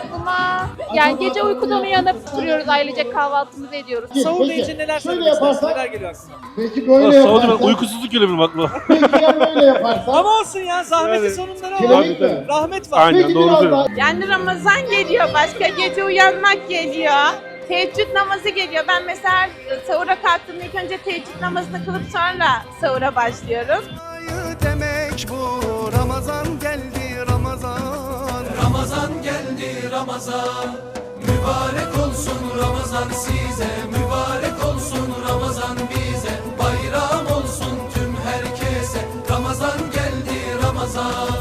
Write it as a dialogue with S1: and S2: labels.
S1: aklıma yani gece uykudan uyanıp duruyoruz, ailecek kahvaltımızı ediyoruz.
S2: Sahur deyince neler söylemek istersin? Neler geliyor aklına?
S3: Peki böyle yaparsan.
S4: Uykusuzluk geliyor benim aklıma.
S3: Peki ya böyle yaparsan.
S2: Ama olsun ya, zahmetin
S4: Yani.
S2: sonunda ne
S3: Kiremit
S2: var?
S3: mi?
S2: Rahmet var.
S4: Aynen,
S3: Peki
S4: doğru
S3: biraz
S4: söylüyorsun.
S3: daha.
S5: Yani Ramazan geliyor, başka gece uyanmak geliyor. Teheccüd namazı geliyor. Ben mesela sahura kalktığımda ilk önce teheccüd namazını kılıp sonra sahura başlıyorum.
S6: Demek bu Ramazan geldi Ramazan.
S7: Ramazan geldi Ramazan. Mübarek olsun Ramazan size. Mübarek olsun Ramazan bize. Bayram olsun tüm herkese. Ramazan geldi Ramazan.